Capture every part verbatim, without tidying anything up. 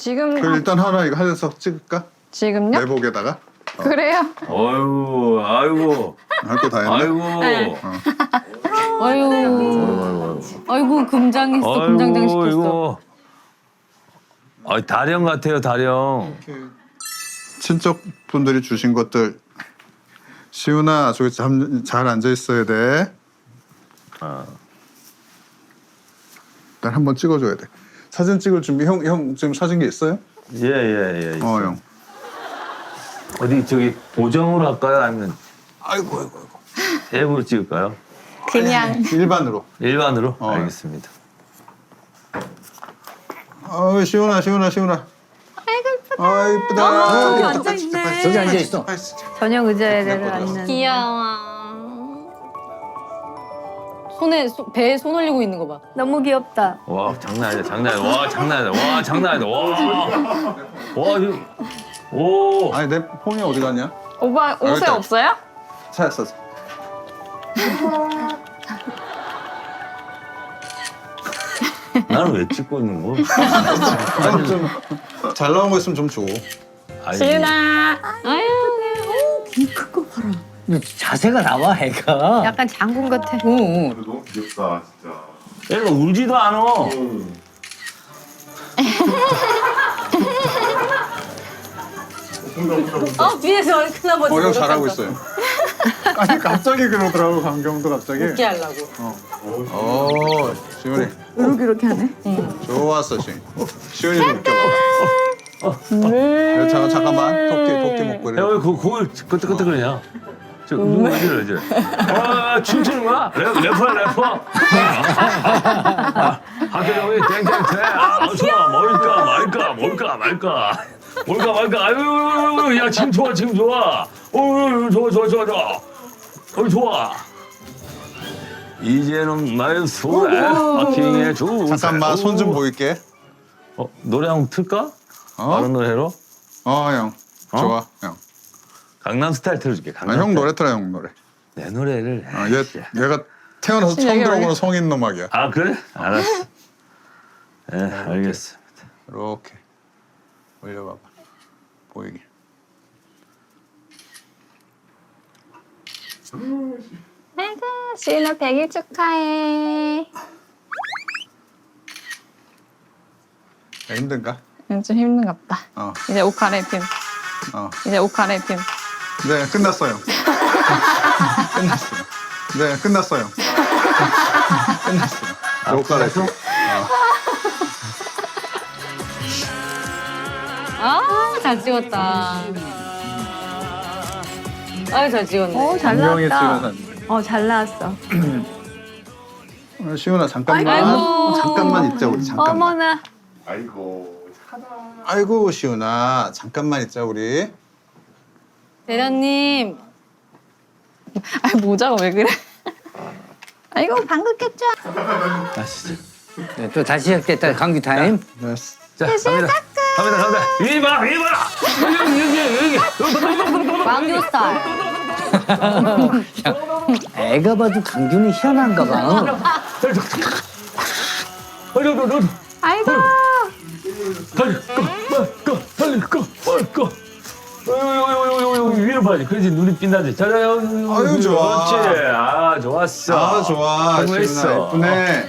지금 그 일단 하나 이거 하면서 찍을까? 지금요? 내복에다가. 어. 그래요? 아이고, 아이고, 할 거 다 했네. 아이고. 네. 어. 아유, 아이고, 아이고 금장했어, 금장장 시켰어. 이거. 아, 다령 같아요, 다령. 이렇게 친척분들이 주신 것들. 시훈아, 저기 잠, 잘 앉아 있어야 돼. 아. 일단 한번 찍어줘야 돼. 사진 찍을 준비. 형, 형 지금 사진기 있어요? 예, 예, 예. 어, 형. 어디 저기 보정으로 할까요? 아니면 아이고, 아이고, 아이고. 앱으로 찍을까요? 그냥 일반으로. 일반으로? 어. 알겠습니다. 아, 시훈아, 시훈아, 시훈아. 아이고 예쁘다. 아, 이쁘다. 저기 아, 앉아 진짜, 있네. 진짜, 저기 진짜, 앉아 있어. 진짜, 진짜. 저녁 의자에 예쁘다. 앉는. 귀여워. 손에 소, 배에 손 올리고 있는 거 봐. 너무 귀엽다. 와, 장난 아니다, 장난 아니다. 와, 장난 아니다. 와, 장난 아니다. 와. 와, 이거. 오. 아니, 내 폰이 어디 갔냐? 오빠 옷에 여기 있다. 없어요? 찾았어. 나는 왜 찍고 있는 거야? 좀 잘 나온 거 있으면 좀 줘. 아니, 지은아. 아유, 큰거 봐라. 자세가 나와 애가. 약간 장군 같아. 응, 응. 너무 귀엽다 진짜. 얘가 울지도 않아. 어 뒤에서 얼큰한 거. 어, 형 잘하고 있어요. 아니, 갑자기 그러더라고, 강경도 갑자기. 웃게 하려고. 어, 시훈이. 이렇게 이렇게 하네. 좋았어, 시훈이. 시훈이 좀 웃겨봐. 음. 잠깐, 잠깐만. 토끼, 토끼 목걸이. 야, 왜 그, 그걸 끄떡끄떡거리냐? 저, 누구 어디를 이제? 아, 춤추는 거야? 래, 래퍼야, 래퍼? 아, 학교형이 땡땡땡. 아, 좋아. 뭘까, 말까, 뭘까, 말까. 뭘까, 말까. 아유, 야, 지금 좋아, 지금 좋아. 어, 좋아, 좋아, 좋아, 좋아. 어, 좋아. 이제는 나의 손에 파킹해 주. 잠깐만, 손 좀 보일게. 어, 노래 한곡 틀까? 어? 다른 노래로? 어, 형. 어? 좋아, 형. 강남 스타일 틀어줄게. 아, 강남 형 스타일. 노래 틀어, 형 노래. 내 노래를. 아, 얘, 얘가 태어나서 처음 얘가 들어보는 왜- 성인 음악이야. 아 그래? 알았어. 네, 알겠습니다. 이렇게 올려봐봐. 보이게. 아이고 지은아 백 일 축하해. 야, 힘든가? 응, 좀 힘든갑다. 어, 이제 옷 갈아입힘. 어. 이제 옷 갈아입힘. 네, 끝났어요. 끝났어요. 네, 끝났어요. 끝났어요. 아, 옷 갈아입고. 아, 잘 찍었다. 아유, 잘 찍었네. 오, 잘 분명히 나왔다. 찍어서. 어, 잘 나왔어. 어, 시훈아, 잠깐만. 아이고. 잠깐만 있자, 우리 잠깐만. 어머나. 아이고. 아이고, 시훈아. 잠깐만 있자, 우리. 대련님. 아 모자가 왜 그래? 아이고 방귀 꼈죠? 아 진짜. 네, 또 다시 시작됐다 감기 타임. 네. 자 갑니다. 갑니다 갑니다. 위에 봐 위에 봐. 여기 여기 여기. 왕교 스타일. 애가 봐도 강균이 희한한가 봐. 빨리 빨리 빨리. 아이고. 빨리 꺼 빨리 꺼 빨리 꺼. 어이구 위로 봐야지. 그래야지 눈이 빛나지. 자자 아유, 좋아. 그렇지. 아 좋았어. 아, 좋아. 성공했어. 시훈아, 예쁘네.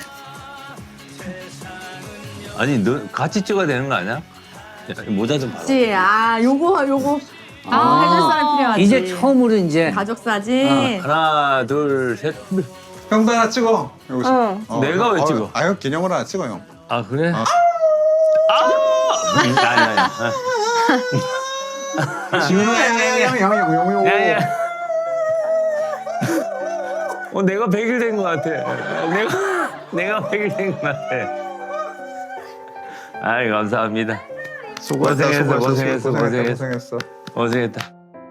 아니 너 같이 찍어야 되는 거 아니야? 야, 모자 좀 봐라. 그치. 아, 요거, 요거. 아, 아. 해줄 사람 필요하지. 이제 처음으로 이제 가족 사진. 하나 둘 셋. 형도 하나 찍어. 여기서. 응. 어, 내가 왜 어, 찍어? 아, 형 기념으로 하나 찍어, 형. 아 그래? 아. 아! 아니 아니 아니. 시훈아, 형, 형, 형, 형, 형. 야야. 어 내가 백 일 된 것 같아. 내가 내가 백 일 된 것 같아. 아이 감사합니다. 수고했다, 고생했어, 수고했어, 고생했어, 고생했다, 고생했어. 고생했어. 고생했다.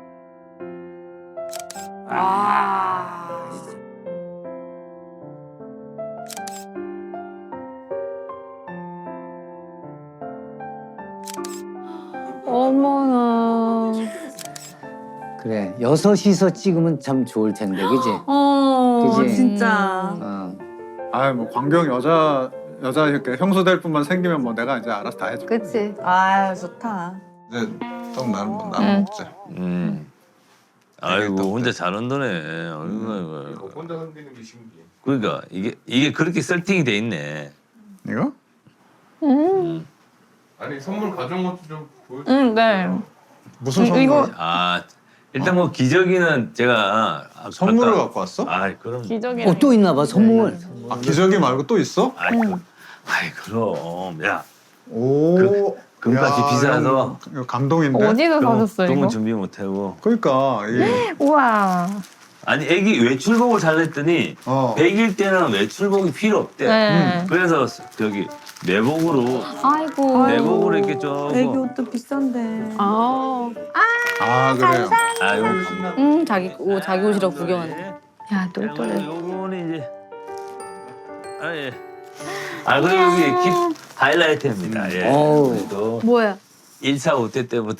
어머나. 그래 여섯이서 찍으면 참 좋을 텐데 그지? 어, 그치? 진짜. 어. 아, 뭐 광경 여자 여자 이렇게 형수 될 뿐만 생기면 뭐 내가 이제 알아서 다 해줘. 그치. 아 좋다. 이제 좀 나는 나는 응. 먹자. 음. 아이고 혼자 잘 온다네. 아이고, 아이고, 이거 아이고. 혼자 흔드는 게 신기해. 그러니까 이게 이게 그렇게 세팅이 돼 있네. 이거? 음. 아니 선물 가져온 것도 좀 보여줘. 음, 네. 무슨 이- 선물? 이거- 아 일단 뭐 기저귀는 제가 아, 선물을 아까- 갖고 왔어? 아이 그럼. 기적이. 어, 또 있나 봐, 선물. 아 기저귀 말고 또 있어? 아이, 그, 아이 그럼 야 오. 그- 금값이 야, 비싸서. 이거, 이거 감동인데. 어디서 똥- 사셨어요 똥은 이거? 준비 못하고. 그러니까 이게 우와. 아니 애기 외출복을 살랬더니 어. 백 일 때는 외출복이 필요 없대. 네. 그래서 저기 내복으로 아이고. 내복으로 이렇게 조금. 애기 옷도 비싼데. 아. 아 그래요. 아유. 음 자기 옷 자기 옷이라고 구경하네. 야 똘똘해. 요거는 이제 아 예. 아 그리고 여기 기 하이라이트입니다. 예. 어우. 그래도 뭐야? 일 차 오 대 때부터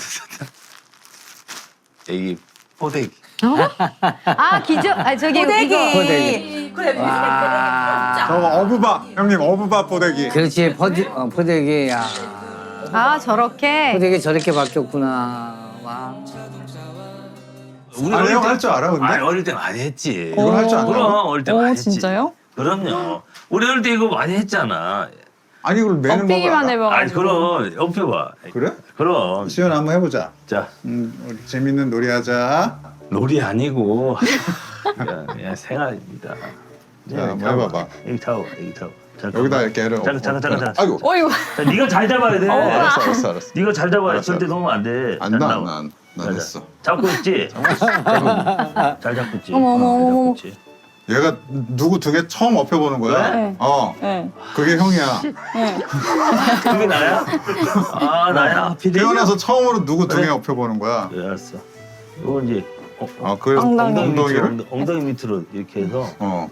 애기 포대기. 아 기적. 아 저기 호대기. 이거. 포대기. 그래. 와. 저거 어부바 형님 어부바 포대기. 그렇지, 포대, 어, 포대기. 야. 아 저렇게. 포대기 저렇게 바뀌었구나. 와. 우리 아니 어릴 형 때- 할 줄 알아 근데? 아니 어릴 때 많이 했지. 이걸 할 줄 안다고? 그럼 어릴 때 많이 어 했지. 진짜요? 그럼요. 우리 어릴 때 이거 많이 했잖아. 아니 이걸 매는 법을 엎이기만 알아? 아니 해봐가지고. 그럼 옆에 봐. 그래? 그럼 시연 한번 해보자. 자 음, 우리 재밌는 놀이하자. 롤이 아니고 그냥, 그냥 생활입니다. 자, 한번 해봐봐. 여기 타고 여기 타고. 잠깐만. 여기다 이렇게 애를. 잠깐 잠깐 잠깐 잠깐. 아이고. 어이구. 자, 네가 잘 잡아야 돼. 알았어 알았어 알았어. 네가 잘 잡아야 돼. 알았어, 절대 알았어. 놓으면 안 돼. 안 잘 나, 나와. 안 나. 나 자, 됐어. 잡고 있지. 잘 잡고 있지. 어머, 어머, 어, 잘 어머, 잡고 어머. 있지. 얘가 누구 등에 처음 업혀보는 거야. 네. 어, 네. 그게 형이야. 그게 나야? 아 나야. 피디. 태어나서 처음으로 누구 등에 그래. 업혀보는 거야. 네, 알았어. 이거 이제 어, 아, 그래서 엉덩이. 엉덩이 밑으로 엉덩이를. 엉덩- 엉덩이 밑으로 이렇게 해서. 어.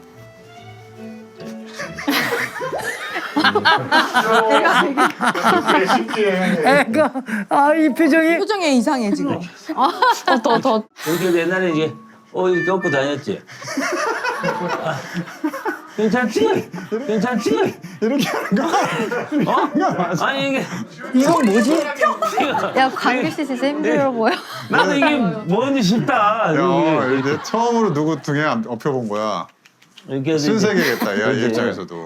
되게 신기해. 애가, 아, 이 표정이. 표정이 이상해 지금. 더 더. 이렇게 옛날에 이제 어 이렇게 업고 다녔지. 아, 괜찮지? 괜찮지? 이렇게 하는 거야. 어? 아니 이게 이건 뭐지? 야 광규 씨 진짜 힘들어 보여. 나도 이게 뭔지 싶다. 야, 이게 이제 처음으로 누구 등에 업혀본 거야. 이렇게 해서 이제- 신세계겠다. 야, 이 그치. 입장에서도.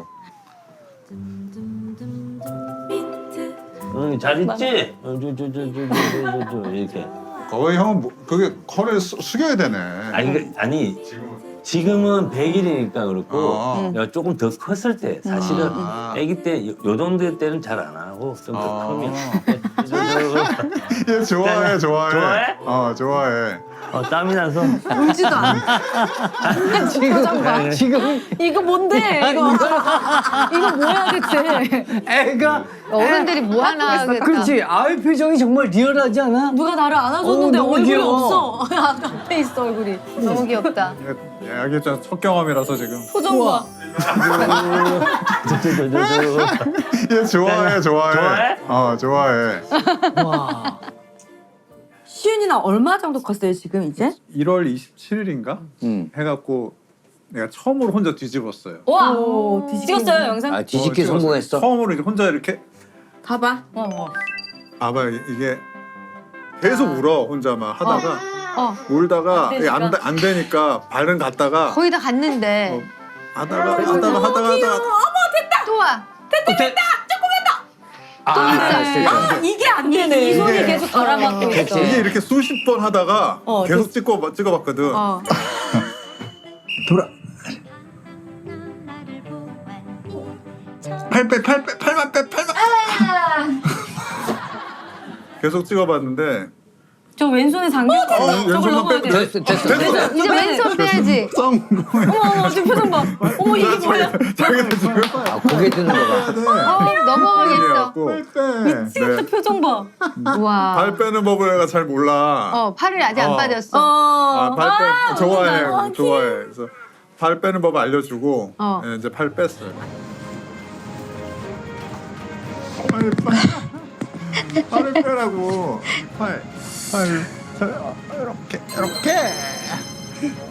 응, 잘 있지? 어, 저, 저, 저, 저, 저, 저, 저, 저, 이렇게. 거의 형은 뭐, 그게 허리를 수, 숙여야 되네. 아니, 그, 아니 지금은 백 일이니까 그렇고 어. 야, 조금 더 컸을 때 사실은 아. 아기 때 요, 요 정도 때는 잘 안 하고 좀 더 아. 크면 얘 좋아해, 좋아해. 좋아해? 어, 좋아해. 어, 땀이 나서 울지도 않아. 지금, 지금 이거 뭔데? 이거 이거 뭐야 대체? 애가. 어른들이 뭐 하나 하겠다. 그렇지. 아이 표정이 정말 리얼하지 않아? 누가 나를 안아줬는데 어, 너무 얼굴이 귀여워. 없어. 앞에 있어 얼굴이. 너무 귀엽다. 얘, 얘 진짜 첫 경험이라서 지금. 표정 봐. 저, 저, 저, 저, 저. 얘 좋아해, 좋아해. 좋아해? 어, 좋아해. 와. 시윤이는 얼마 정도 컸어요 지금 이제? 일월 이십칠일인가? 응. 해갖고 내가 처음으로 혼자 뒤집었어요. 와 오, 뒤집기. 찍었어요 영상? 아, 뒤집기 어, 찍었어요. 성공했어. 처음으로 이제 혼자 이렇게 봐봐. 어, 어. 봐봐 이게 계속 울어 혼자만 하다가 어. 울다가 이게 안, 되니까. 안 되니까 발은 갔다가 거의 다 갔는데 어, 하다가 하다가 하다가 하다가 또 와. 아, 있어요. 아, 이게 안 되네. 이 손이 이게- 계속 바라봤고 있어. 그치. 이게 이렇게 수십 번 하다가 어, 계속 찍고 찍어봤거든. 어. 돌아. 팔 빼, 팔 빼, 팔만 빼, 팔만. 계속 찍어봤는데 저 왼손에 장경. 어, 저걸 왼손만 넘어야 빼. 돼. 됐어, 됐어, 됐어. 이제 왼손 빼야지. 성공. 어머 어머 지금 표정 봐. 어머 이게 뭐야? 자기도 지금 아, 고개 드는 거 봐. 어, 넘어가겠어. 미치겠다. 네. 표정 봐. 우와. 발 빼는 법을 내가 잘 몰라. 어 팔을 아직 안 어. 빠졌어. 아, 어. 발 빼, 좋아해, 아, 좋아해. 그래서 발 빼는 법 알려주고 어. 예, 이제 팔 뺐어요. 팔, 팔, 팔을 빼라고. 팔, 팔, 팔, 어, 이렇게, 이렇게.